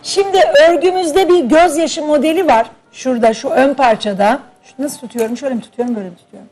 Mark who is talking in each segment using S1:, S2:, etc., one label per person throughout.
S1: Şimdi örgümüzde bir gözyaşı modeli var. Şurada şu ön parçada. Nasıl tutuyorum? Şöyle mi tutuyorum, böyle mi tutuyorum?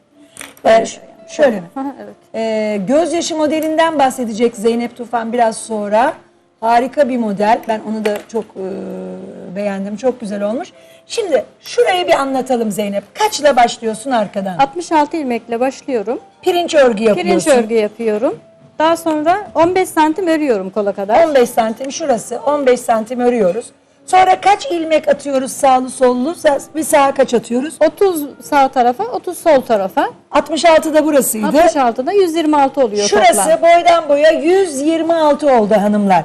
S1: Şöyle mi?
S2: Evet.
S1: Gözyaşı modelinden bahsedecek Zeynep Tufan biraz sonra. Harika bir model. Ben onu da çok beğendim. Çok güzel olmuş. Şimdi şurayı bir anlatalım Zeynep. Kaçla başlıyorsun arkadan?
S2: 66 ilmekle başlıyorum.
S1: Pirinç örgü yapıyorsun.
S2: Pirinç örgü yapıyorum. Daha sonra 15 santim örüyorum kola kadar.
S1: 15 santim şurası. 15 santim örüyoruz. Sonra kaç ilmek atıyoruz sağlı sollu? Bir sağa kaç atıyoruz?
S2: 30 sağ tarafa, 30 sol tarafa.
S1: 66 da burasıydı.
S2: 66'da 126 oluyor
S1: Şurası
S2: toplam.
S1: boydan boya 126 oldu hanımlar.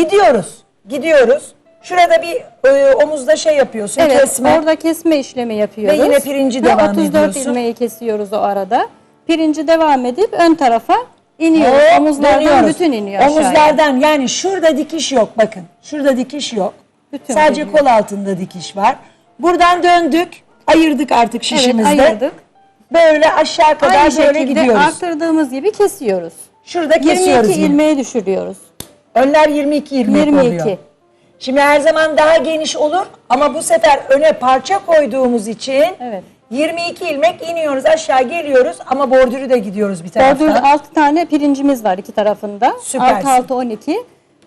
S1: Gidiyoruz. Şurada bir omuzda şey yapıyorsun,
S2: Evet,
S1: kesme.
S2: orada kesme işlemi yapıyoruz.
S1: Ve yine pirinci devam
S2: 34
S1: ediyorsun.
S2: ilmeği kesiyoruz o arada. Pirinci devam edip ön tarafa iniyoruz.
S1: Hop,
S2: Omuzlardan
S1: dönüyoruz.
S2: bütün iniyor aşağıya.
S1: Omuzlardan, yani şurada dikiş yok bakın. Şurada dikiş yok.
S2: Bütün
S1: Sadece
S2: geliyor.
S1: kol altında dikiş var. Buradan döndük. Ayırdık artık şişimizde.
S2: Evet, ayırdık.
S1: Böyle aşağı kadar
S2: Aynı
S1: böyle
S2: şekilde
S1: gidiyoruz.
S2: arttırdığımız gibi kesiyoruz.
S1: Şurada kesiyoruz
S2: 22
S1: yine.
S2: ilmeğe düşürüyoruz.
S1: Önler 22 ilmek
S2: 22.
S1: oluyor. Şimdi her zaman daha geniş olur ama bu sefer öne parça koyduğumuz için
S2: Evet.
S1: 22 ilmek iniyoruz, aşağı geliyoruz ama bordürü de gidiyoruz bir taraftan.
S2: Bordür 6 tane pirincimiz var iki tarafında.
S1: Süpersin.
S2: 6 12.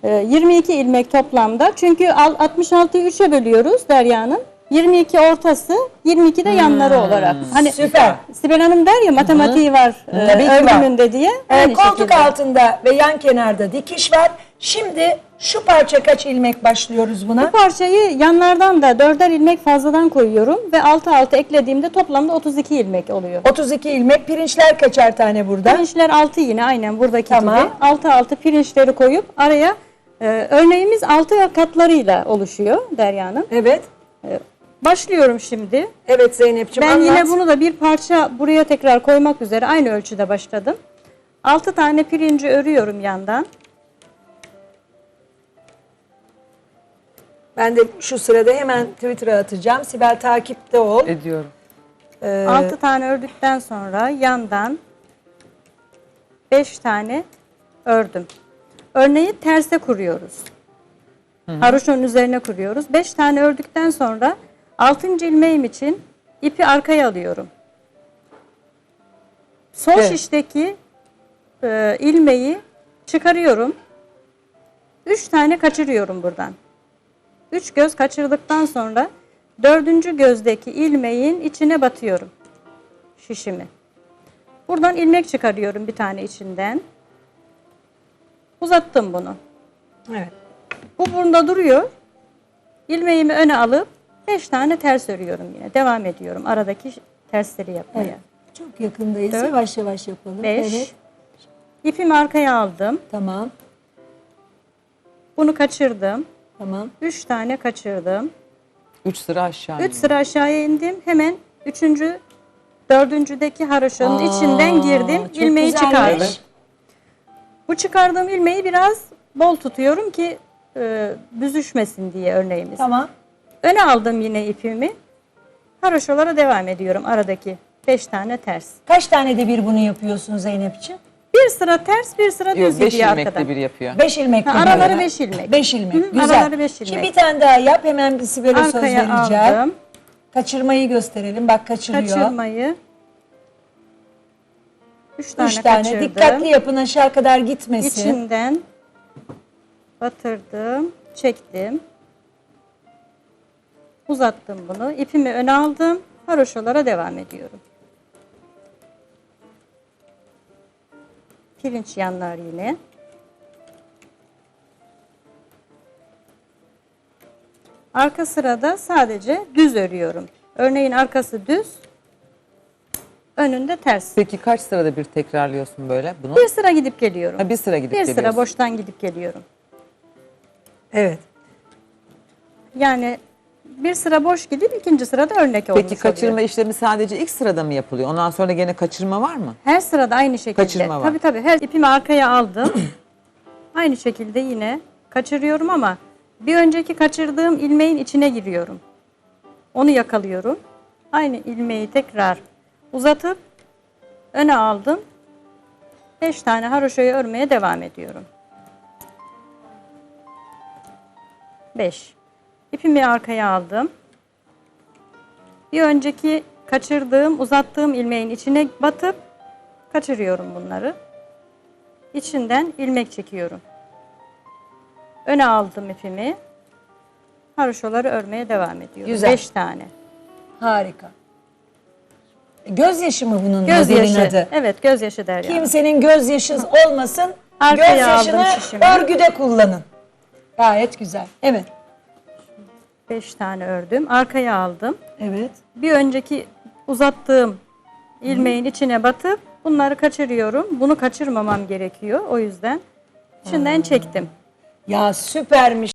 S2: 22 ilmek toplamda. Çünkü 66'yı 3'e bölüyoruz Derya'nın. 22 ortası, 22 de yanları olarak. Hani
S1: Süper.
S2: Sibel Hanım der ya matematiği var
S1: Tabii ki var.
S2: örgümünde diye. Aynı
S1: Koltuk
S2: şekilde.
S1: altında ve yan kenarda dikiş var. Şimdi şu parça kaç ilmek başlıyoruz buna?
S2: Bu parçayı yanlardan da 4'er ilmek fazladan koyuyorum ve altı eklediğimde toplamda 32 ilmek oluyor.
S1: 32 ilmek. Pirinçler kaçar tane burada?
S2: Pirinçler 6 yine aynen buradaki
S1: Tamam.
S2: gibi. 6 pirinçleri koyup araya örneğimiz 6 katlarıyla oluşuyor Derya Hanım.
S1: Evet.
S2: Başlıyorum şimdi.
S1: Evet Zeynep'ciğim
S2: Ben
S1: anlat.
S2: yine bunu da bir parça buraya tekrar koymak üzere aynı ölçüde başladım. 6 tane pirinci örüyorum yandan.
S1: Ben de şu sırada hemen Twitter'a atacağım. Sibel takipte ol.
S3: Ediyorum.
S2: 6 tane ördükten sonra yandan 5 tane ördüm. Örneği terse kuruyoruz. Haroşonun üzerine kuruyoruz. 5 tane ördükten sonra 6. ilmeğim için ipi arkaya alıyorum. Sol
S3: Evet.
S2: şişteki ilmeği çıkarıyorum. 3 tane kaçırıyorum buradan. 3 göz kaçırdıktan sonra 4. gözdeki ilmeğin içine batıyorum şişimi. Buradan ilmek çıkarıyorum bir tane içinden. Uzattım bunu.
S1: Evet.
S2: Bu burada duruyor. İlmeğimi öne alıp 5 tane ters örüyorum yine. Devam ediyorum aradaki tersleri yapmaya.
S1: Evet. Çok yakındayız.
S2: 4,
S1: Yavaş yavaş yapalım.
S2: 5.
S1: Evet.
S2: İpimi arkaya aldım.
S1: Tamam.
S2: Bunu kaçırdım.
S1: Tamam.
S2: 3 tane kaçırdım.
S3: 3 sıra aşağı.
S2: 3 sıra aşağıya indim. Hemen 3. 4.'deki haroşanın içinden girdim.
S1: Çok
S2: İlmeği
S1: güzelmiş.
S2: çıkardım. Bu çıkardığım ilmeği biraz bol tutuyorum ki büzüşmesin diye örneğimiz.
S1: Tamam.
S2: Öne aldım yine ipimi. Haroşalara devam ediyorum aradaki 5 tane ters.
S1: Kaç tane de bir bunu yapıyorsun Zeynep'ciğim?
S2: Bir sıra ters, bir sıra düz
S3: Yok 5
S2: gidiyor
S3: ilmekte
S2: arkadan.
S3: bir yapıyor.
S1: 5 ilmek.
S2: Ha, araları 5 ilmek.
S1: 5 ilmek.
S2: Hı,
S1: Güzel.
S2: araları 5
S1: Şimdi
S2: ilmek.
S1: bir tane daha yap. Hemen bir Sibel'e söz
S2: Arkaya
S1: vereceğim.
S2: aldım.
S1: Kaçırmayı gösterelim. Bak kaçırıyor.
S2: Kaçırmayı. 3 tane,
S1: 3 tane.
S2: kaçırdım.
S1: Dikkatli yapın aşağı kadar gitmesin.
S2: İçinden batırdım, çektim. Uzattım bunu. İpimi öne aldım. Haroşalara devam ediyorum. Pirinç yanlar yine. Arka sırada sadece düz örüyorum. Örneğin arkası düz, önünde ters.
S3: Peki kaç sırada bir tekrarlıyorsun böyle bunu?
S2: Bir sıra gidip geliyorum.
S3: Ha, bir sıra gidip
S2: Bir sıra
S3: geliyorsun.
S2: boştan gidip geliyorum.
S1: Evet.
S2: Yani bir sıra boş gidip ikinci sırada örnek olmuş
S3: Peki kaçırma
S2: oluyor.
S3: işlemi sadece ilk sırada mı yapılıyor? Ondan sonra gene kaçırma var mı?
S2: Her sırada aynı şekilde.
S3: Kaçırma var.
S2: Tabii her ipimi arkaya aldım. Aynı şekilde yine kaçırıyorum ama bir önceki kaçırdığım ilmeğin içine giriyorum. Onu yakalıyorum. Aynı ilmeği tekrar uzatıp öne aldım. 5 tane haroşayı örmeye devam ediyorum. 5 İpimi arkaya aldım. Bir önceki kaçırdığım, uzattığım ilmeğin içine batıp kaçırıyorum bunları. İçinden ilmek çekiyorum. Öne aldım ipimi. Haroşoları örmeye devam ediyorum.
S1: Güzel.
S2: 5 tane.
S1: Harika. Gözyaşı mı bunun modelin
S2: Gözyaşı.
S1: adı?
S2: Evet, gözyaşı Derya.
S1: Kimsenin gözyaşı olmasın.
S2: Arkaya
S1: Gözyaşını
S2: aldım şişimi.
S1: örgüde kullanın. Gayet güzel. Evet.
S2: 5 tane ördüm. Arkaya aldım.
S1: Evet.
S2: Bir önceki uzattığım ilmeğin içine batıp bunları kaçırıyorum. Bunu kaçırmamam gerekiyor. O yüzden içinden çektim.
S1: Ya süpermiş.